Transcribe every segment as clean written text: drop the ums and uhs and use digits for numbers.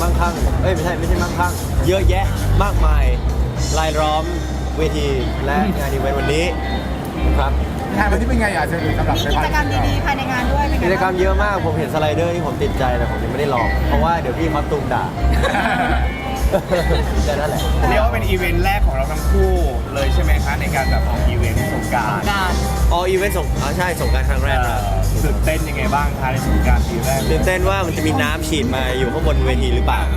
มั่งคั่งไม่ใช่มั่งคั่งเยอะแยะมากมายรายล้อมเวทีและงานอีเวนต์วันนี้ครับงานวันนี้เป็นไงเชิญสำหรับมีกิจกรรมดีๆภายในงานด้วยเป็นไงกิจกรรมเยอะมากผมเห็นสไลเดอร์ที่ผมติดใจแต่ผมยังไม่ได้ลองเพราะว่าเดี๋ยวพี่คอสตูมด่าแต่นั่นแหละเรียกว่าเป็นอีเวนต์แรกของเราทั้งคู่เลยใช่ไหมคะในการแบบออกอีเวนต์สงกรานต์อีเวนต์ใช่สงกรานต์ครั้งแรกครับตื่นเต้นยังไงบ้างคะในสงกรานต์ปีแรกตื่นเต้นว่ามันจะมีน้ำฉีดมาอยู่ข้างบนเวทีหรือเปล่า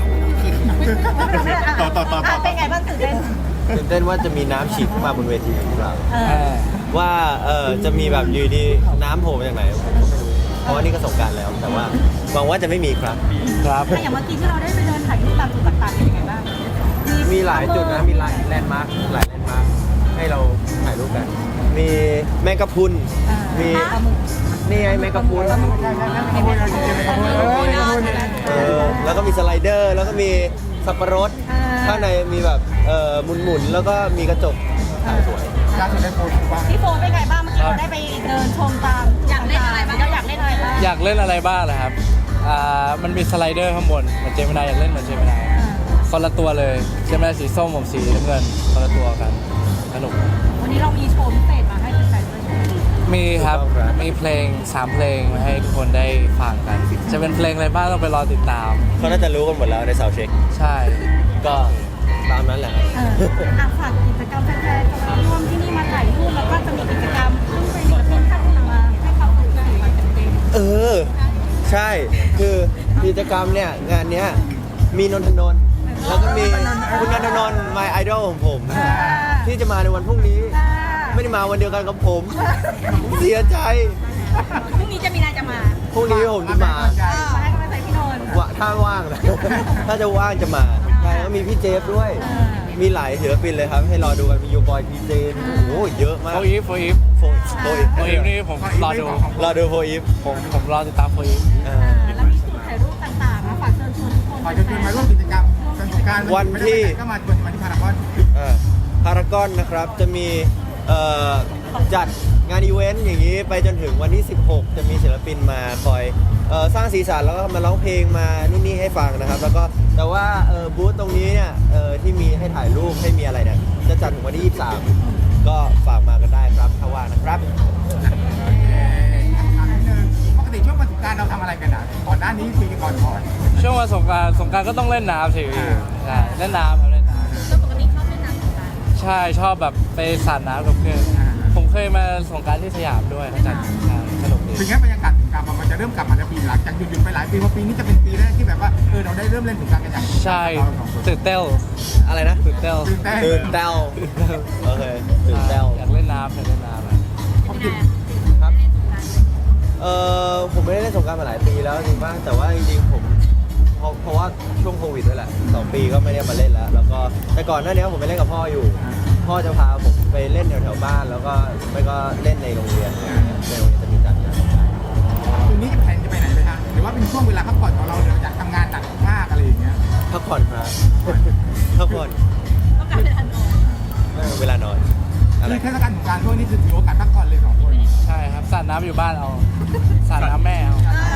เป็นไงบ้างตื่นเต้นว่าจะมีน้ำฉีดขึ้นมาบนเวทีหรือเปล่าว่าจะมีแบบอยู่ดีน้ำโผล่มาจากไหนผมก็ไม่รู้เพราะว่านี่ก็สงกรานต์แล้วแต่ว่าหวังว่าจะไม่มีครับอย่างเมื่อกี้ที่เราได้ไปเดินถ่ายรูปตามจุดต่างๆเป็นยังไงบ้างมีหลายจุดนะมีแลนด์มาร์คหลายแลนด์มาร์คให้เราถ่ายรูปกันมีแมงกะพรุนมีนี่ไงแมงกะพรุนแล้วก็มีสไลเดอร์แล้วก็มีสับปะรดข้างในมีแบบหมุนแล้วก็มีกระจกถ่ายสวยพี่โฟนเป็นไงบ้างเมื่อกี้เราได้ไปเดินชมตามอยากเล่นอะไรบ้างอยากเล่นอะไรบ้างอยากเล่นอะไรบ้างเหรอครับมันมีสไลเดอร์ข้างบนเหมือนเจมินายอยากเล่นเหมือนเจมินายคนละตัวเลยเจมินายสีส้มผมสีน้ำเงินคนละตัวกันสนุกวันนี้เรามีโชว์พิเศษมาให้แฟนๆด้วยมีครับมีเพลง3เพลงมาให้ทุกคนได้ฟังกันจะเป็นเพลงอะไรบ้างต้องไปรอติดตามเขาน่าจะรู้กันหมดแล้วในซาวด์เช็คใช่ก็ตามนั้นแหละฝากกิจกรรมแฟนๆจะมาร่วมที่นี่มาถ่ายรูปแล้วก็จะมีกิจกรรมซึ่งเป็นศิลปินท่านอื่นมาให้ความสนใจมาเต็มใช่คือกิจกรรมเนี่ยงานเนี้ยมีนนทนนท์แล้วก็มีคุณนนทนนท์my idol ของผมที่จะมาในวันพรุ่งนี้ไม่ได้มาวันเดียวกันกับผมเสียใจพรุ่งนี้จะมีนายจะมาพรุ่งนี้ผมจะมาให้กำลังใจพี่นนท์ถ้าว่างนะถ้าจะว่างจะมาใช่แล้วมีพี่เจฟด้วยมีหลายศิลปินเลยครับให้รอดูกันมีโยบอยพีเจโอ้เยอะมากโฟอีฟนี่ผมรอดูโฟอีฟผมรอติดตามโฟอีฟแล้วมีจุดถ่ายรูปต่างๆนะฝากเชิญชวนทุกคนฝากเชิญชวนมาร่วมกิจกรรมสงกรานต์วันที่ก็มาชวนมาที่พารากอนนะครับจะมีจัดงานอีเวนต์อย่างนี้ไปจนถึงวันที่16จะมีศิลปินมาคอยสร้างสีสันแล้วก็มาร้องเพลงมานู่นนี่ให้ฟังนะครับแล้วก็แต่ว่าบูธตรงนี้เนี่ยที่มีให้ถ่ายรูปให้มีอะไรเนี่ยจะจัดถึงวันที่23ก็ฝากมากันได้ครับถ้าว่างนะครับปกติช่วงวันสงกรานต์เราทำอะไรกันก่อนหน้านี้คุยกันก่อนช่วงวันสงกรานต์ก็ต้องเล่นน้ำสิใช่เล่นน้ำครับเล่นน้ำปกติชอบเล่นน้ำสงกรานต์ใช่ชอบแบบไปสาดน้ำกับเพื่อนผมเคยมาสงกรานต์ที่สยามด้วยเขาจัดสนุกดีถึงแม้บรรยากาศสงกรานต์มันจะเริ่มกลับมาแล้วปีหลังจากหยุดไปหลายปีว่าปีนี้จะเป็นปีแรกที่แบบว่าเราได้เริ่มเล่นสงกรานต์กันอย่างใช่ตื่นเต้นอะไรนะตื่นเต้นโอเคตื่นเต้นอยากเล่นน้ำครับผมไม่ได้เล่นสงกรานต์มาหลายปีแล้วจริงบ้างแต่ว่าจริงๆผมเพราะว่าช่วงโควิดด้วยแหละ2 ปีก็ไม่ได้มาเล่นแล้วก็แต่ก่อนหน้านี้ผมไปเล่นกับพ่ออยู่พ่อจะพาผมไปเล่นแถวๆบ้านแล้วก็ไม่ก็เล่นในโรงเรียนในโรงเรียนจะมีจัดงานคืนนี้แผนจะไปไหนไปทางหรือว่าเป็นช่วงเวลาพักผ่อนของเราเดี๋ยวอยากทำงานหนักมากอะไรอย่างเงี้ยพักผ่อนครับพักผ่อนต้องการเวลานอนเทศกาลสงกรานต์ช่วงนี้คือถือโอกาสพักผ่อนเลย2 คนใช่ครับสาดน้ำอยู่บ้านเอาสาดน้ำแม่เอา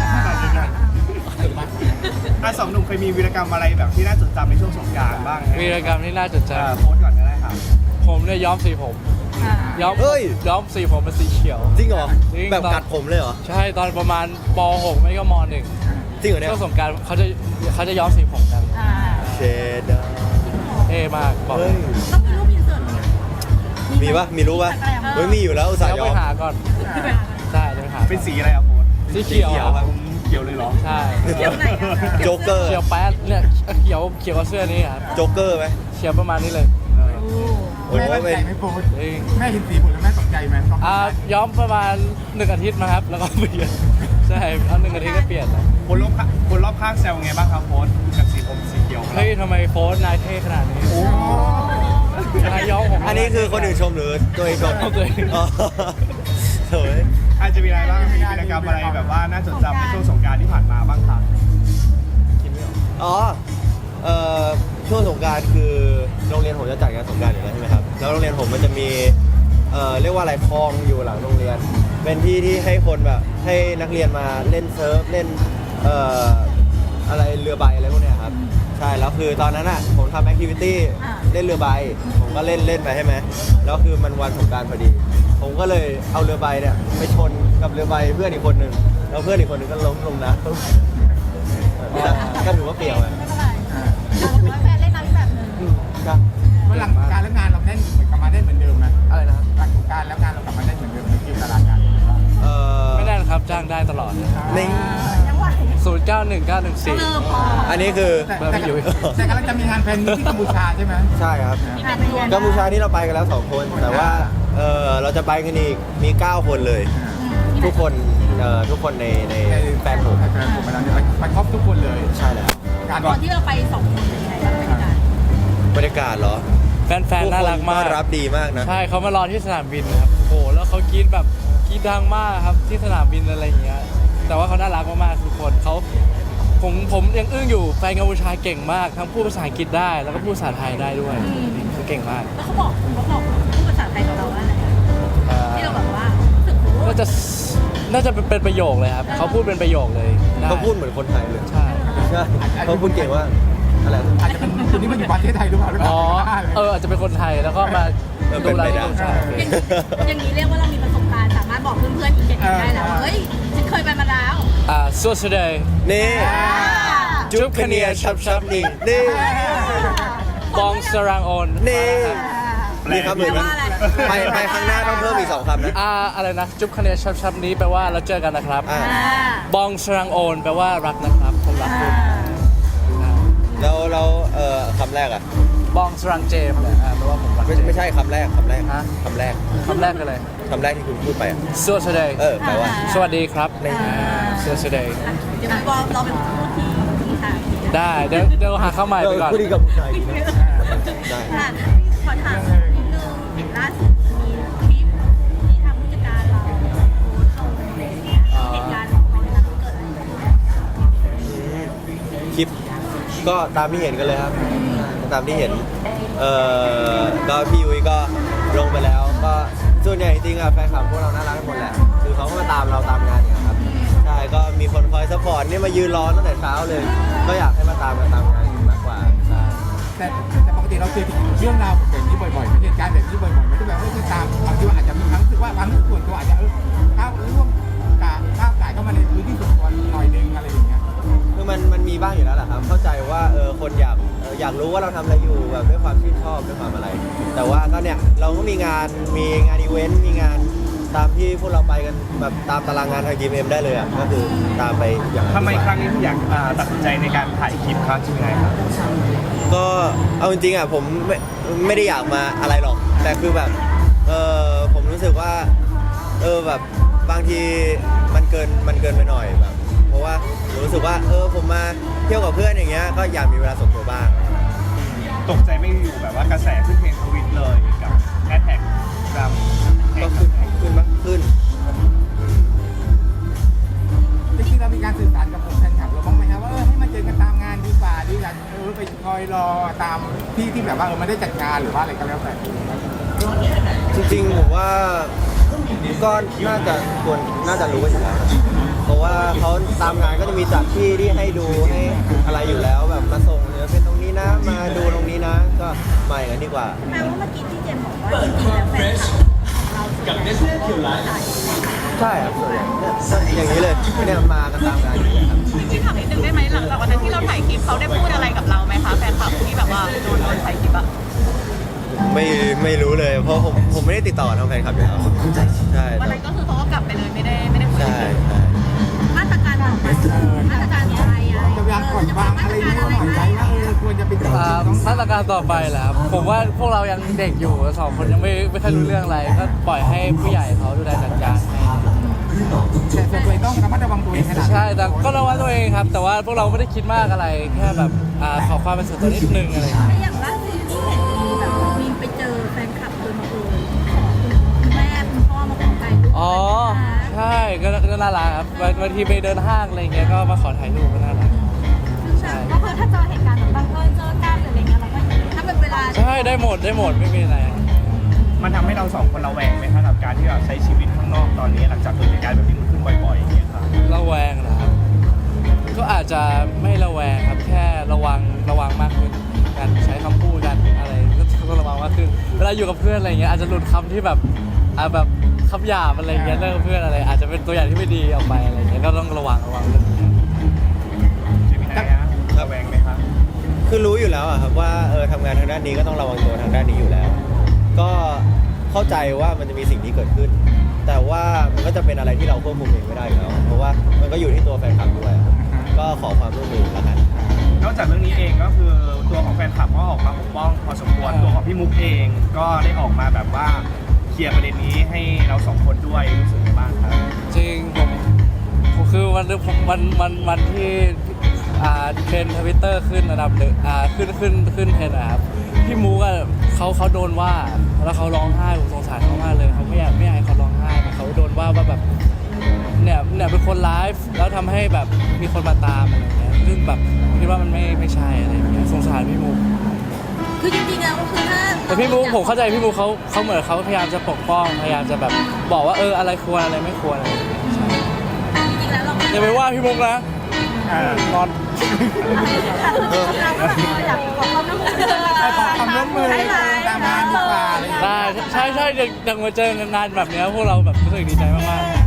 2 หนุ่มเคยมีวีรกรรมอะไรแบบที่น่าจดจำในช่วงสงกรานต์บ้างวีรกรรมที่น่าจดจำโพสก่อนก็ได้ครับผมเนี่ยย้อมสีผมย้อมสีผมเป็นสีเขียวจริงเหรอแบบกัดผมเลยเหรอใช่ตอนประมาณป .6 ไม่ก็ม .1 จริงเหรอเนี่ยช่วงสงกรานต์เขาจะย้อมสีผมกันเชดาเท่มากต้องมีรูปอินเสิร์ตมีปะมีรูปปะมีอยู่แล้วอุตส่าห์ย้อมไปหาก่อนใช่ไปหาเป็นสีอะไรครับโพสสีเขียวครับเขียวเลยเหรอใช่เขียวไหนโจ๊กเกอร์เขียวแป๊ดเนี่ยเขียวกับเสื้อนี้ครับโจ๊กเกอร์ไหมเขียวประมาณนี้เลยแม่ตกใจไหมโพสแม่เห็นสีผมแล้วแม่ตกใจไหมย้อมประมาณ1 อาทิตย์มาครับแล้วก็เปลี่ยนใช่เอา1 อาทิตย์ก็เปลี่ยนแล้วคนรอบข้างแซวไงบ้างครับโพสกับสีผมสีเขียวเฮ้ยทำไมโพสนายเท่ขนาดนี้นายย้อมผมอันนี้คือคนอื่นชมหรือตัวเองชมตัวเองเฮ้ยอาจจะมีอะไรบ้างมีกิจกรรมอะไรแบบว่าน่าจดจำในช่วงสงกรานต์ที่ผ่านมาบ้างครับช่วงสงกรานต์คือโรงเรียนผมจะจัดงานสงกรานต์อยู่แล้วใช่ไหมครับแล้วโรงเรียนผมมันจะมีเรียกว่าอะไรคลองอยู่หลังโรงเรียนเป็นที่ที่ให้คนแบบให้นักเรียนมาเล่นเซิร์ฟเล่นอะไรเรือใบอะไรพวกเนี้ยครับช่แล้วคือตอนนั้นอ่ะผมทำแอคทิวิตี้เล่นเรือใบผมก็เล่นไปใช่ไหมแล้วคือมันวันสงกรานต์พอดี ผมก็เลยเอาเรือใบเนี่ยไปชนกับเรือใบเพื่อนอีกคนหนึ่งแล้วเพื่อนอีกคนหนึ่งก็ล้มลงน้ำก็ถือว่าเปรี้ยวอ่ะไม่เป็นไรเราบอกว่าแฟนเล่นน้ำแบบหนึงครับเมื่อหลังการแล้วงานเราแน่นเหมือนกลับมาได้เหมือนเดิมไหมอะไรนะหลังการแล้วงานเรากลับมาได้เหมือนเดิมในคิวตารางงานไม่ได้นะครับจ้างได้ตลอดนี่ยังไหว 091914 อันนี้คือแต่กำลังจะมีงานแฟนมีตที่กัมพูชาใช่ไหมใช่ครับมีการไปเรียนกัมพูชานี่เราไปกันแล้ว2คนแต่ว่าเราจะไปกันอีกมี9คนเลย ทุกคนทุกคนในแฟนผมแฟนผมไปครบทุกคนเลยใช่แล้วงานตอนที่เราไป2 คนเป็นยังไงบ้างเป็นการบรรยากาศเหรอแฟนๆน่ารักมากต้อนรับดีมากนะใช่เขามารอที่สนามบินครับโอ้โหแล้วเขากรีดแบบกรีดดังมากครับที่สนามบินอะไรอย่างเงี้ยแต่ว่าเขาน่ารักมากๆทุกคนผมยังอึ้งอยู่แฟนกัมพูชาเก่งมากทั้งพูดภาษาอังกฤษได้แล้วก็พูดภาษาไทยได้ด้วยเขาเก่งมากแล้วเขาบอกพูดภาษาไทยกับเราว่าอะไรที่เราแบบว่ารู้สึกโอ้น่าจะเป็นประโยคเลยครับเขาพูดเป็นประโยคเลยได้เขาพูดเหมือนคนไทยเลยใช่ใช่เขาพูดเก่งว่าอะไรอาจจะเป็นคนที่มาอยู่ประเทศไทยหรือเปล่าหรือเปอ๋ล่าออาจจะเป็นคนไทยแล้วก็มาเป็ดูนไลไปฟ์ได้ใช่อย่างนี้เรียกว่าเรามีประสบการณ์สามารถบอกเพื่อนๆอีก7คนได้แล้วว่าเฮ้ยฉันเคยไปมาแล้วสวัสดีนี่จุ๊บคะเนียชับนี่นี่บองสรังโอนนี่นี่ครับเหมือนกันไปครั้งหน้าต้องเพิ่มอีก2คำนะอะไรนะจุ๊บคะแนนชับนี้แปลว่าเราเจอกันนะครับอ่าบองสรังโอนแปลว่ารักนะครับผมรักคุณแล้วคำแรกอ่ะบองสรังเจมเนี่ยแปลว่าผมรักไม่ใช่คำแรกฮะคำแรกคำแรกกันเลยคำแรกที่คุณพูดไปอะสวัสดีแปลว่าสวัสดีครับสวัสดีเดี๋ยวบอกเราเป็นผู้ที่ค่ะได้เดี๋ยวหาข้าวใหม่ไปก่อนพูดดีกับผู้ชายอีกนะได้ค่ะขอถามนิดนึงล่าสุดมีคลิปที่ทางผู้จัดการเราโพสต์ลงในเหตุการณ์ของเราที่เกิดอะไรขึ้นคลิปก็ตามที่เห็นกันเลยครับ ตามที่เห็นก็พี่ยุ้ยก็ลงไปแล้ว ก็ส่วนใหญ่จริงๆอะแฟนคลับพวกเราน่ารักกันหมดแหละคือเขาก็มาตามเราตามงานอย่างเงี้ยครับใช่ก็มีคนคอยซัพพอร์ตนี่มายืนรอตั้งแต่เช้าเลย ก็อยากให้มาตามงานมากกว่าใช่แต่ปกติเราเจอเรื่องราวแบบนี้บ่อยๆเหตุการณ์แบบนี้บ่อยๆมันจะแบบไม่ตามบางทีอาจจะมีความรู้สึกว่าความรู้สึกส่วนตัวอาจจะก้าวร่วมก้าวไก่เข้ามาในพื้นที่ส่วนตัวหน่อยนึงอะไรอย่างเงี้ยคือมันมีบ้างอยู่แล้วแหละครับ เข้าใจว่าคนอยากรู้ว่าเราทำอะไรอยู่แบบด้วยความชื่นชอบด้วยความอะไร แต่ว่าก็เนี่ยเราก็มีงานอีเวนต์มีงานตามที่พวกเราไปกันแบบตามตารางงานทาง GMM ได้เลยอ่ะก็คือตามไปอย่างนั้นทำไมครั้งนี้ถึงอยากตัดสินใจในการถ่ายคลิปครับใช่ไหมครับก็เอาจริงๆอ่ะผมไม่ได้อยากมาอะไรหรอก แต่คือแบบผมรู้สึกว่าแบบบางทีมันเกินไปหน่อยแบบ เพราะว่าผมรู้สึกว่าผมมาเที่ยวกับเพื่อนอย่างเงี้ยก็อยากมีเวลาส่วนตัวบ้างตกใจไม่อยู่แบบว่ากระแสขึ้นเทรนด์ทวิตเลยกับแฮชแท็กรำก็ขึ้นขึ้นจริงๆเรามีการสื่อสารกับผมแฟนคลับเราบ้างไหมครับว่าให้มาเจอกันตามงานดีกว่าดีกว่าไปคอยรอตามที่แบบว่าไม่ได้จัดงานหรือว่าอะไรก็แล้วแต่จริงๆผมว่าก็น่าจะรู้กันอยู่แล้วเพราะว่าเขาตามงานก็จะมีจัดที่ให้ดูให้อะไรอยู่แล้วแบบมาส่งเนี่ยเป็นตรงนี้นะมาดูตรงนี้นะก็มาอย่างนั้นดีกว่าแปลว่าเมื่อกี้ที่เจมบอกว่าจริงๆแล้วแฟนคลับเรากับเนสเล่คิวไลฟ์ใช่ครับส่วนใหญ่อย่างนี้เลยเนี่ยมากันตามงานอยู่แล้วครับจริงๆถามนิดนึงได้ไหมหลังจากวันนั้นที่เราถ่ายคลิปเขาได้พูดอะไรกับเราไหมคะแฟนคลับที่แบบว่าโดนถ่ายคลิปอะไม่รู้เลยเพราะผมไม่ได้ติดต่อทางแฟนคลับอยู่แล้วใช่วันนั้นก็คือเขาก็กลับไปเลยไม่ได้คุยใช่กันใช่มาตรการของมาตรการอะไรจะวางก่อนวางอะไรนี้หน่อยไหมว่าควรจะเป็นมาตรการต่อไปแหละครับผมว่าพวกเรายังเด็กอยู่สองคนยังไม่ค่อยรู้เรื่องอะไรก็ปล่อยให้ผู้ใหญ่เขาดูแลจัดการให้แต่ส่วนตัวต้องระมัดระวังตัวเองขนาดใช่แต่ก็ระวังตัวเองครับ แต่ว่าพวกเราไม่ได้คิดมากอะไรแค่แบบขอความเป็นส่วนตัวนิดนึงอะไรอย่างเงี้ยอย่างล่าสุดที่เห็นมีแบบมีไปเจอแฟนคลับโดยบังเอิญขอคุณแม่คุณพ่อมาขอถ่ายรูปอ๋อใช่ก็น่ารักครับบางทีไปเดินห้างอะไรเงี้ยก็มาขอถ่ายรูปก็น่ารักก็คือถ้าเจอเหตุการณ์แบบบังเอิญเจอกันหรืออะไรเงี้ยเราก็ถ้าเป็นเวลาใช่ได้หมดไม่มีอะไรมันทำให้เราสองคนระแวงไหมครับกับการที่เราใช้ชีวิตข้างนอกตอนนี้หลังจากเกิดเหตุการณ์แบบนี้มันขึ้นบ่อยๆอย่างเงี้ยครับระแวงนะครับก็อาจจะไม่ระแวงครับแค่ระวังาอยู่กับเพื่อนอะไรเงี้ยอาจจะหลุดคำที่แบบแบบคำหยาบอะไรเงี้ยเลิกกับเพื่อนอะไรอาจจะเป็นตัวอย่างที่ไม่ดีออกไปอะไรเงี้ยก็ต้องระวังเรื่องนี้เจมินายฮะระแวงไหมครับคือรู้อยู่แล้วอะครับว่าทำงานทางด้านนี้ก็ต้องระวังตัวทางด้านนี้อยู่แล้ว ก็เข้าใจว่ามันจะมีสิ่งที่เกิดขึ้น แต่ว่ามันก็จะเป็นอะไรที่เราควบคุมเองไม่ได้อยู่แล้วเพราะว่ามันก็อยู่ที่ตัวแฟนคลับด้วยครับก็ขอความร่วมมือแล้วกันนอกจากเรื่องนี้เองก็คือตัวของแฟนคลับก็ออกมาปกป้องพอสมควรตัวของพี่มุกเองก็ได้ออกมาแบบว่าเคลียร์ประเด็นนี้ให้เราสองคนด้วยรู้สึกไงบ้างครับจริงผมคือวันที่เทรนทวิตเตอร์ขึ้นระดับหนึ่งขึ้นเทรนนะครับพี่มูกเขาโดนว่าแล้วเขาร้องไห้ผมสงสารเขามากเลยเขาไม่อยากให้เขาร้องไห้เขาโดนว่าแบบเนี่ยเป็นคนไลฟ์แล้วทำให้แบบมีคนมาตามอะไรอย่างเงี้ยซึ่งแบบคิดว่ามันไม่ใช่อะไรอย่างเงี้ยสงสารพี่มูกคือจริงๆแล้วก็คือถ้าแต่พี่มูกผมเข้าใจพี่มูกเขาเหมือนเขาพยายามจะปกป้องพยายามจะแบบบอกว่าอะไรควรอะไรไม่ควรอะไรอย่างเงี้ยใช่จริงๆแล้วเราก็อย่าไปว่าพี่มุกนะงอนเราก็แบบอยากขอความร่วมมือขอความร่วมมือตามงานดีกว่าอะไรอย่างเงี้ยได้ใช่อย่างมาเจองานแบบเนี้ยพวกเราแบบรู้สึกดีใจมากๆ